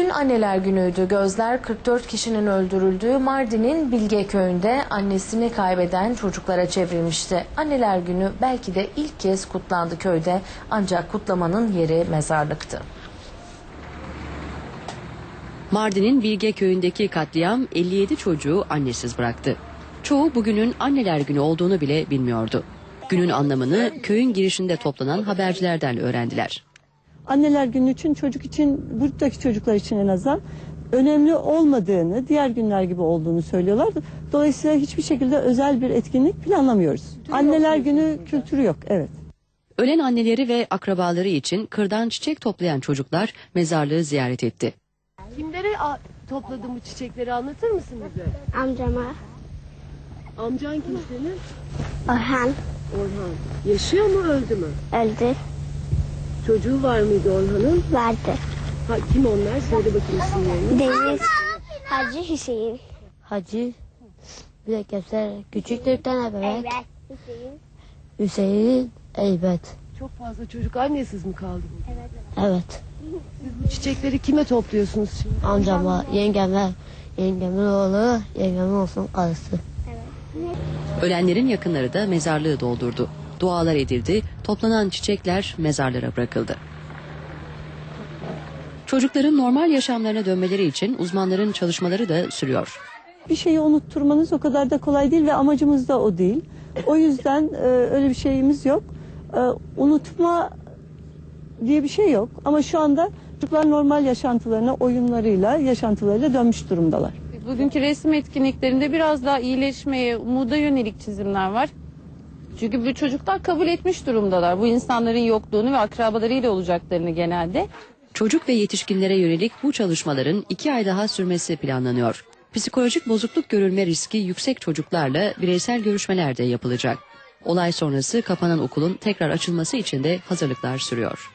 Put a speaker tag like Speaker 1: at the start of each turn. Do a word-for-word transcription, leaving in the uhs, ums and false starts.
Speaker 1: Dün Anneler Günü'ydü. Gözler kırk dört kişinin öldürüldüğü Mardin'in Bilge Köyü'nde annesini kaybeden çocuklara çevrilmişti. Anneler Günü belki de ilk kez kutlandı köyde, ancak kutlamanın yeri mezarlıktı.
Speaker 2: Mardin'in Bilge Köyü'ndeki katliam elli yedi çocuğu annesiz bıraktı. Çoğu bugünün Anneler Günü olduğunu bile bilmiyordu. Günün anlamını köyün girişinde toplanan habercilerden öğrendiler.
Speaker 3: Anneler Günü için çocuk için, buradaki çocuklar için en azından önemli olmadığını, diğer günler gibi olduğunu söylüyorlar. Dolayısıyla hiçbir şekilde özel bir etkinlik planlamıyoruz. Anneler Günü kültürü yok, evet.
Speaker 2: Ölen anneleri ve akrabaları için kırdan çiçek toplayan çocuklar mezarlığı ziyaret etti.
Speaker 4: Kimlere topladın bu çiçekleri, anlatır mısın bize?
Speaker 5: Amcama.
Speaker 4: Amcan kim senin?
Speaker 5: Orhan
Speaker 4: Orhan. Yaşıyor mu, öldü mü?
Speaker 5: öldü.
Speaker 4: Çocuğu var mıydı Orhan'ın?
Speaker 5: Vardı.
Speaker 4: Ha, kim onlar? Söyle bakayım isimlerini.
Speaker 5: Deniz. Hacı Hüseyin.
Speaker 6: Hacı, bir de Kevser, küçük de bir tane bebek. Hüseyin, Eybet.
Speaker 4: Çok fazla çocuk annesiz mi kaldı burada?
Speaker 6: Evet.
Speaker 4: Siz bu çiçekleri kime topluyorsunuz şimdi?
Speaker 6: Amcama, yengeme, yengemin oğlu, yengemin olsun karısı.
Speaker 2: Ölenlerin yakınları da mezarlığı doldurdu. Dualar edildi, toplanan çiçekler mezarlara bırakıldı. Çocukların normal yaşamlarına dönmeleri için uzmanların çalışmaları da sürüyor.
Speaker 3: Bir şeyi unutturmanız o kadar da kolay değil ve amacımız da o değil. O yüzden e, öyle bir şeyimiz yok. E, unutma diye bir şey yok. Ama şu anda çocuklar normal yaşantılarına, oyunlarıyla, yaşantılarıyla dönmüş durumdalar.
Speaker 7: Bugünkü resim etkinliklerinde biraz daha iyileşmeye, umuda yönelik çizimler var. Çünkü bu çocuklar kabul etmiş durumdalar. Bu insanların yokluğunu ve akrabalarıyla olacaklarını genelde.
Speaker 2: Çocuk ve yetişkinlere yönelik bu çalışmaların iki ay daha sürmesi planlanıyor. Psikolojik bozukluk görülme riski yüksek çocuklarla bireysel görüşmeler de yapılacak. Olay sonrası kapanan okulun tekrar açılması için de hazırlıklar sürüyor.